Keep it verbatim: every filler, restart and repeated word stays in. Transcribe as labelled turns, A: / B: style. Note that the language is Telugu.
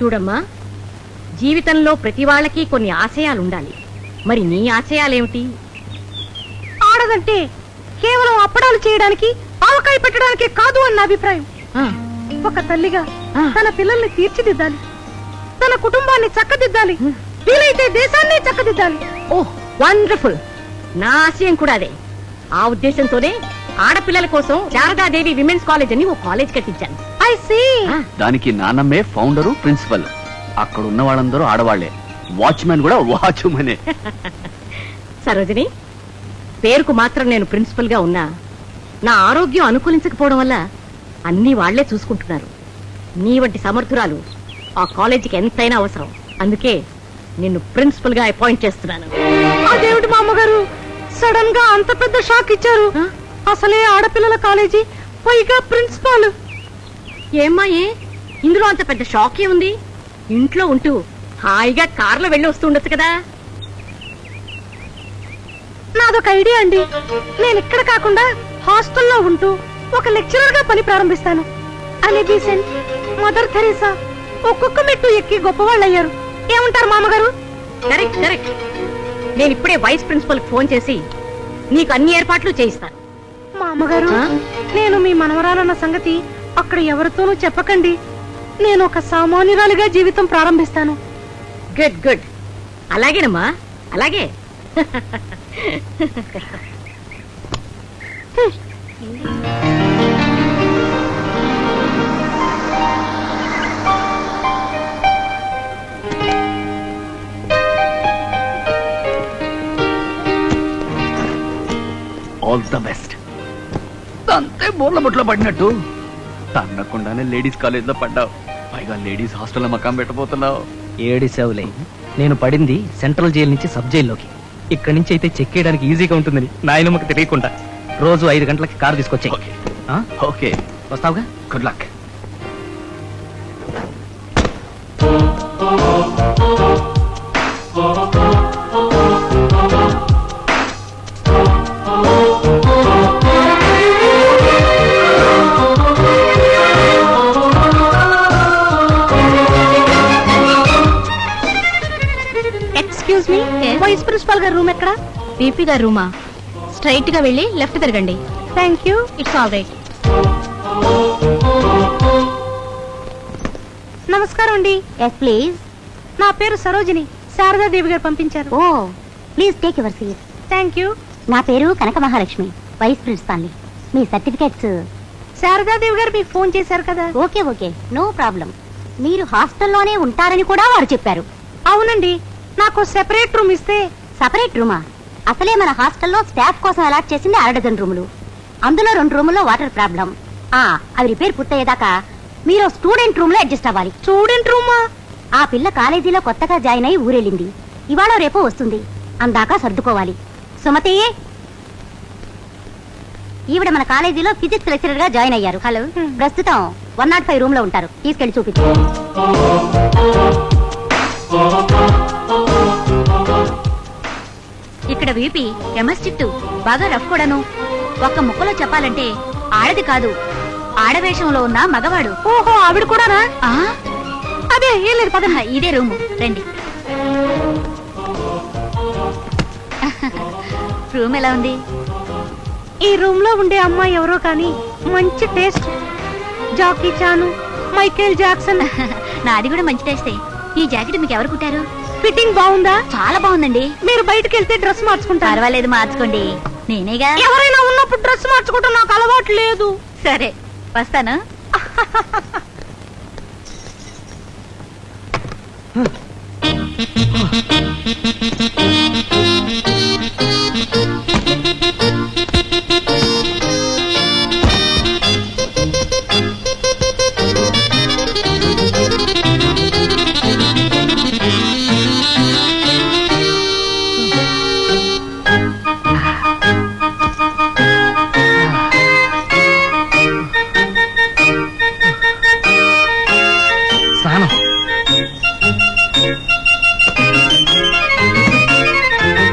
A: చూడమ్మా, జీవితంలో ప్రతి వాళ్ళకి కొన్ని ఆశయాలుండాలి. మరి నీ ఆశయాలేమిటి?
B: ఆడదంటే కేవలం అప్పడాలు చేయడానికి, ఆవకాయ పెట్టడానికి కాదు అన్న అభిప్రాయం. ఒక తల్లిగా తన పిల్లల్ని తీర్చిదిద్దాలి, తన కుటుంబాన్ని చక్కదిద్దాలి, వీలైతే దేశాన్ని చక్కదిద్దాలి.
A: ఓహ్ వండర్ఫుల్! నా ఆశయం కూడా అదే. ఆ ఉద్దేశంతోనే ఆడపిల్లల కోసం శారదాదేవి విమెన్స్ కాలేజ్ అని ఓ కాలేజ్ కట్టించాను.
B: I see.
C: దానికి నాన్నమ్మే ఫౌండరు, ప్రిన్సిపల్. అక్కడ ఉన్న వాళ్ళందరూ ఆడవాళ్లే. వాచ్మెన్ కూడా వాచ్మెనే.
A: సరోజిని, పేరుకు మాత్రం నేను ప్రిన్సిపల్ గా ఉన్నా నా ఆరోగ్యం అనుకూలించకపోవడం వల్ల అన్ని వాళ్లే చూసుకుంటున్నారు. నీ వంటి సమర్థురాలు ఆ కాలేజీకి ఎంతైనా అవసరం. అందుకే నిన్ను ప్రిన్సిపల్ గా అపాయింట్ చేస్తున్నాను.
B: అదేమిటి మా అమ్మగారు సడన్ గా అంత పెద్ద షాక్ ఇచ్చారు? అసలే ఆడపిల్లల కాలేజీ, పైగా ప్రిన్సిపాల్.
A: ఏమ్మా, ఏ ఇందులో అంత పెద్ద షాకే ఉంది? ఇంట్లో ఉంటూ హాయిగా కార్లో వెళ్ళి వస్తూ ఉండొచ్చు కదా.
B: నాదొక ఐడియా అండి. నేను ఇక్కడ కాకుండా హాస్టల్లో ఉంటూ ఒక లెక్చరర్ గా పని ప్రారంభిస్తాను. అనే బీసెంట్, మదర్ థెరెసా ఒక్కొక్క మెట్టు ఎక్కి గొప్పవాళ్ళు అయ్యారు. ఏమంటారు మామగారు?
A: Correct correct. నేను ఇప్పుడే వైస్ ప్రిన్సిపల్ ఫోన్ చేసి నీకు అన్ని ఏర్పాట్లు చేయిస్తాను.
B: మా అమ్మగారు, నేను మీ మనవరాలన్న సంగతి అక్కడ ఎవరితోనూ చెప్పకండి. నేను ఒక సామాన్యురాలిగా జీవితం ప్రారంభిస్తాను.
A: Good good. అలాగేనమ్మా, అలాగే.
C: All the best. అంతే బోర్ల బొట్లో పడినట్టు తన్నకుండానే లేడీస్ కాలేజ్ లో పడ్డావు. పైగా లేడీస్ హాస్టల్లో మకాం పెట్టబోతున్నావు.
D: ఏడిసేవులే, నేను పడింది సెంట్రల్ జైలు నుంచి సబ్ జైల్లోకి. ఇక్కడి నుంచి అయితే చెక్ చేయడానికి ఈజీగా ఉంటుందని నాయనమ్మకి తెలియకుండా రోజు ఐదు గంటలకి కారు తీసుకొచ్చాయి.
C: ఓకే,
D: వస్తావుగా?
C: Good luck.
B: Excuse me, vice principal గారి రూమ్ ఎక్కడ?
E: పీపీ గారి రూమా? స్ట్రైట్ గా వెళ్ళి లెఫ్ట్ తిరగండి.
B: Thank you.
E: It's all right.
B: నమస్కారం అండి.
E: Yes please.
B: నా పేరు సరోజిని. శారదాదేవి గారు పంపించారు.
E: Oh please take your seat.
B: Thank you.
E: నా పేరు కనక మహాలక్ష్మి, వైస్ ప్రిన్సిపాల్ని. మీ సర్టిఫికెట్స్.
B: శారదాదేవి గారు మీకు ఫోన్ చేశారు కదా?
E: Okay okay, no problem. మీరు హాస్టల్లోనే ఉంటారని కూడా వారు చెప్పారు.
B: అవునండి, నాకు సెపరేట్ రూమ్ ఇస్తే.
E: సపరేట్ రూమా? అసలే మన హాస్టల్లో స్టాఫ్ కోసం అలాట్ చేసింది అర డజన్ రూములు. అందులో రెండు రూముల్లో వాటర్ ప్రాబ్లం. ఆ అవి రిపేర్ పూర్తయ్యేదాకా మీరు స్టూడెంట్ రూమ్ లో అడ్జస్ట్ అవ్వాలి.
B: స్టూడెంట్ రూమా?
E: ఆ పిల్ల కాలేజీలో కొత్తగా జాయిన్ అయి ఊరెళ్ళింది. ఇవాళ రేపో వస్తుంది. అందాక సర్దుకోవాలి. సుమతి, ఈవిడ మన కాలేజీలో ఫిజిక్స్ లెక్చరర్ గా జాయిన్ అయ్యారు. హలో, ప్రస్తుతం వన్ నాట్ ఫైవ్ రూమ్ లో ఉంటారు. తీసుకెళ్లి చూపించు. ఇక్కడ వీపీ కెమిస్ట్రీ బాగా రఫ్ కూడాను. ఒక్క ముక్కలో చెప్పాలంటే ఆడది కాదు, ఆడవేషంలో ఉన్న మగవాడు.
B: ఓహో, ఆవిడ కూడానా?
E: అదే ఏం లేదు, పద. ఇదే రూము, రండి. రూమ్ ఎలా ఉంది?
B: ఈ రూమ్ లో ఉండే అమ్మాయి ఎవరో కానీ మంచి taste. Jackie Chan, Michael Jackson.
E: నాది కూడా మంచి టేస్టే. ఈ జాకెట్ మీకు ఎవరు కుట్టారు?
B: ఫిట్టింగ్ బాగుందా?
E: చాలా బాగుందండి.
B: మీరు బయటకు వెళ్తే డ్రెస్ మార్చుకుంటారు.
E: పర్వాలేదు, మార్చుకోండి. నేనేగా.
B: ఎవరైనా ఉన్నప్పుడు డ్రెస్ మార్చుకోవటం నాకు అలవాటు లేదు.
E: సరే, వస్తాను.
D: స్నానం.